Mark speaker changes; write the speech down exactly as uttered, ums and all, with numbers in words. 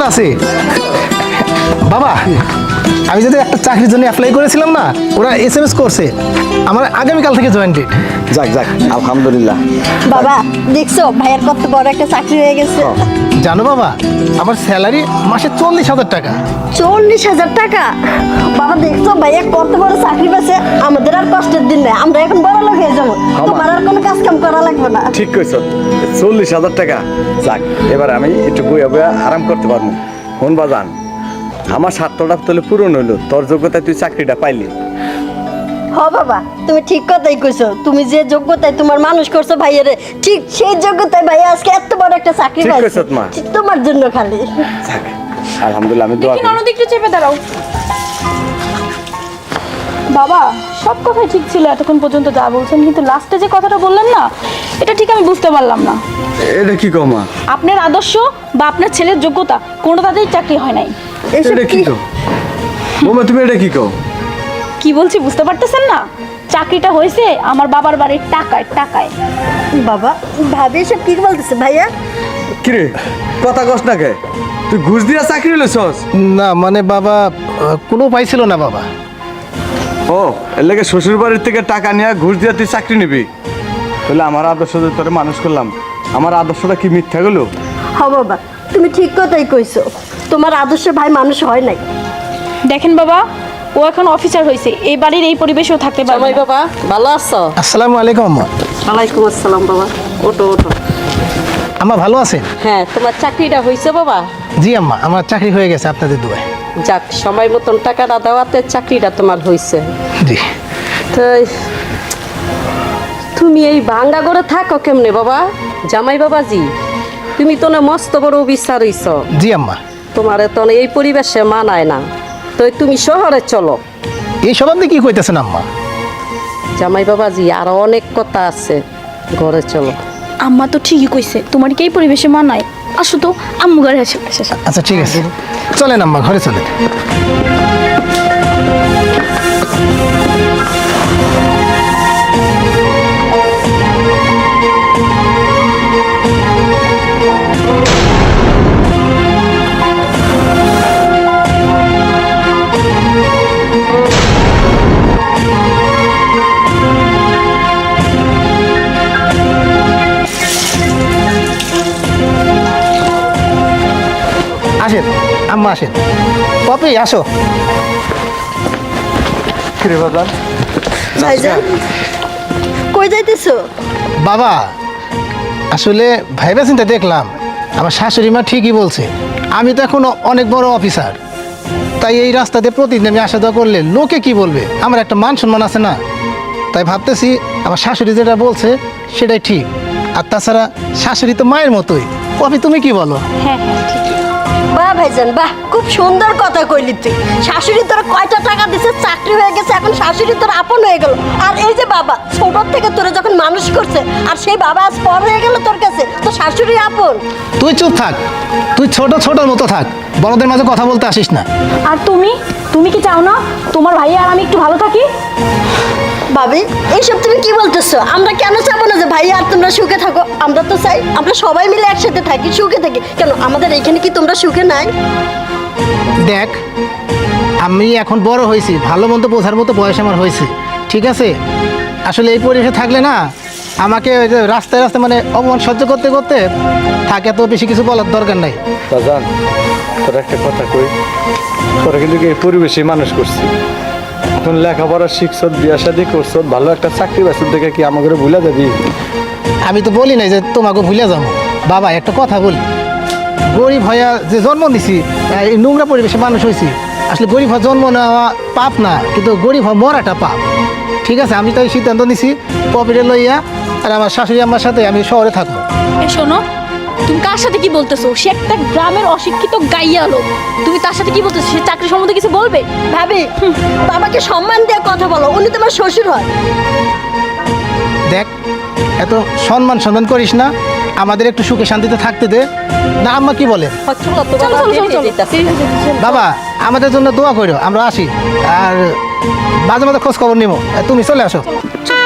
Speaker 1: আছে বাবা। আমি যদি একটা চাকরির জন্য অ্যাপ্লাই করেছিলাম না, ওরা এস এম এস করছে আমার আগামীকাল থেকে জয়েন ডেট।
Speaker 2: যাক যাক আলহামদুলিল্লাহ।
Speaker 3: বাবা দেখছো ভাইয়ের কত বড় একটা চাকরি হয়ে গেছে।
Speaker 1: জানো বাবা, আমার স্যালারি মাসে চল্লিশ হাজার টাকা।
Speaker 3: চল্লিশ হাজার টাকা? বাবা দেখছো ভাইয়া কত বড় চাকরি পেয়েছে। আমাদের আর কষ্টের দিন নেই, আমরা এখন বড় লোক হয়ে যাবো, তোমার আর কোনো কাজ কাম করা লাগবে না।
Speaker 2: ঠিক কইছো, চল্লিশ হাজার টাকা। যাক এবার আমি একটু বইয়া বইয়া আরাম করতে পারবো। কোন বাজান, আমার স্বার্থটা তাহলে পূরণ হইলো, তোর যোগ্যতায় তুই চাকরিটা পাইলি।
Speaker 3: হ বাবা তুমি ঠিক কথাই কইছো, তুমি যে যোগ্যতায় তোমার মানুষ করছো ভাইয়ারে, ঠিক সেই যোগ্যতায় ভাইয়া আজকে এত বড় একটা চাকরি
Speaker 2: ঠিক
Speaker 3: পাইছে।
Speaker 2: কইছো মা।
Speaker 3: তোমার জন্য খালি।
Speaker 2: যাক আলহামদুলিল্লাহ, আমি দোয়া
Speaker 4: দেখি
Speaker 2: করি।
Speaker 4: ননদ একটু চেপে দাঁড়াও। বাবা সব কথাই ঠিক ছিল এতক্ষণ পর্যন্ত যা বলছেন, কিন্তু লাস্টে যে কথাটা বললেন না, এটা ঠিক আমি বুঝতে পারলাম না।
Speaker 2: এটা কি কও মা?
Speaker 4: আপনার আদর্শ বা আপনার ছেলের যোগ্যতা কোনোটাতেই চাকরি হয় নাই।
Speaker 3: এসব
Speaker 2: এটা কি
Speaker 3: কি?
Speaker 2: কও বৌমা, তুমি এটা কি কও?
Speaker 4: কি বলছি বুঝতে পারতেছেন না? চাকরিটা হয়েছে আমার বাবার বাড়ির টাকায় টাকায়।
Speaker 3: বাবা ভাবি এসব কি বলতেছে ভাইয়া?
Speaker 2: কিরে কথা কস না কে? তুই ঘুষ দিয়া চাকরি লইছস?
Speaker 1: না মানে বাবা, আহ, কোনো উপায় ছিল না বাবা।
Speaker 2: ও এর লাগে শ্বশুর বাড়ির থেকে টাকা নিয়ে ঘুষ দিয়া তুই চাকরি নিবি? তাহলে আমার আদর্শ যে তোরে মানুষ করলাম, আমার আদর্শটা কি মিথ্যা গেল?
Speaker 3: হ বাবা তুমি ঠিক কথাই কইছো, তোমার আদর্শ ভাই মানুষ হয় নাই।
Speaker 4: দেখেন বাবা, ও এখন অফিসার হয়েছে, এই বাড়ির এই পরিবেশেও থাকতে পারবে
Speaker 5: জামাই
Speaker 4: না।
Speaker 5: বাবা ভালো আছো?
Speaker 1: আসসালামু আলাইকুম আম্মা।
Speaker 5: ওয়ালাইকুম আসসালাম বাবা, ওঠো ওঠো।
Speaker 1: আম্মা ভালো আছেন?
Speaker 5: হ্যাঁ তোমার চাকরিটা হয়েছে বাবা?
Speaker 1: জি আম্মা, আমার চাকরি হয়ে গেছে আপনাদের দুয়ায়।
Speaker 5: যাক সময় মতন টাকাটা দেওয়াতে চাকরিটা তোমার হয়েছে।
Speaker 1: জি।
Speaker 5: তো তুমি এই ভাঙ্গা করে থাকো কেমনে বাবা? জামাই বাবাজি তুমি তো না মস্ত বড় অফিসার হইছ,
Speaker 1: জি আম্মা।
Speaker 5: তোমার তো না এই পরিবেশে মানায় না, তো তুমি শহরে চলো।
Speaker 1: এইসব আপনি কি কইতেছেন আম্মা?
Speaker 5: জামাই বাবাজি আরো অনেক কথা আছে, ঘরে চলো।
Speaker 4: আম্মা তো ঠিকই কইছে, তোমার কি এই পরিবেশে মানায়? আসো তো আম্মু ঘরে আসে।
Speaker 1: আচ্ছা ঠিক আছে, চলেন আম্মা ঘরে চলেন। আসেন আম্মা আসেন। পপি আসো।
Speaker 2: কিরে বাজান,
Speaker 3: ভাইজান কই যাইতেছো?
Speaker 1: বাবা আসলে ভাইবা চিন্তা দেখলাম, আমার শাশুড়ি মা ঠিকই বলছে, আমি তো এখন অনেক বড় অফিসার, তাই এই রাস্তা দিয়ে প্রতিদিন আমি আসা যাওয়া করলে লোকে কি বলবে, আমার একটা মান সম্মান আছে না। তাই ভাবতেছি আমার শাশুড়ি যেটা বলছে সেটাই ঠিক। আর তাছাড়া শাশুড়ি তো মায়ের মতোই। পপি তুমি কি বলো?
Speaker 4: হ্যাঁ হ্যাঁ ঠিকই।
Speaker 3: বাহ ভাইজান বাহ, খুব সুন্দর কথা কইলি তুই। শাশুড়ি তোর কয়টা টাকা দিছে, চাকরি হয়ে গেছে, এখন শাশুড়ি তোর আপন হয়ে গেল। আর এই যে বাবা ছোট থেকে তোরে যখন মানুষ করছে, আর সেই বাবা আজ পর হয়ে গেল তোর কাছে, তো শাশুড়ি আপন।
Speaker 1: তুই চুপ থাক, তুই ছোট ছোটর মতো থাক, বড়দের মাঝে কথা বলতে আসিস না।
Speaker 4: আর তুমি তুমি কি চাও না তোমার ভাই আর আমি একটু ভালো থাকি?
Speaker 3: ভাবি এইসব তুমি কি বলতেছো? আমরা কেন চাবো না যে ভাই আর তোমরা সুখে থাকো? আমরা তো চাই আমরা সবাই মিলে একসাথে থাকি, সুখে থাকি। কেন আমাদের এখানে কি তোমরা সুখে নাই?
Speaker 1: দেখ আমি এখন বড় হয়েছি, ভালো মন্দ বোঝার মতো বয়স আমার হয়েছে, ঠিক আছে? আসলে এই পরিবেশে থাকলে না আমাকে ওই যে রাস্তায় রাস্তায় মানে অপমান সহ্য করতে করতে থাকে, তো বেশি কিছু বলার দরকার নাই।
Speaker 2: বাজান তোর একটা কথা কই, তোরা কিন্তু এই পরিবেশে মানুষ করছি, এখন লেখাপড়া শিখছ, বিয়া শাদি করছ, ভালো একটা চাকরি বাসন দেখে কি আমাকে ভুলে যাবি?
Speaker 1: আমি তো বলি নাই যে তোমাকে ভুলে যাবো। বাবা একটা কথা বলি, গরিব হইয়া যে জন্ম দিছি, এই নোংরা পরিবেশে মানুষ হয়েছি, আসলে গরিব হওয়া জন্ম নেওয়া পাপ না, কিন্তু গরিব হওয়া মরাটা পাপ, ঠিক আছে? আমি তাই সিদ্ধান্ত নিছি পপিরে লইয়া আর আমার শাশুড়ি আম্মার সাথে আমি শহরে থাকবো।
Speaker 4: এই শোনো, তুমি কার সাথে কি বলতেছো? সে একটা গ্রামের অশিক্ষিত গাইয়া লোক, তুমি তার সাথে কি বলতেছো? সে চাকরি সম্বন্ধে কিছু বলবে?
Speaker 3: ভাবি বাবাকে সম্মান দিয়ে কথা বলো, উনি তোমার শ্বশুর হয়।
Speaker 1: দেখ এত সম্মান সম্মান করিস না, আমাদের একটু সুখে শান্তিতে থাকতে দে না। আম্মা কি বলে?
Speaker 5: চলো তো
Speaker 4: চলো
Speaker 5: বাবা,
Speaker 4: চলো চলো
Speaker 5: বেরিয়ে
Speaker 4: চলো
Speaker 5: যাইতাছি।
Speaker 1: বাবা আমাদের জন্য দোয়া করো, আমরা আসি, আর মাঝে মাঝে খোঁজ খবর নিব, তুমি চলে আসো।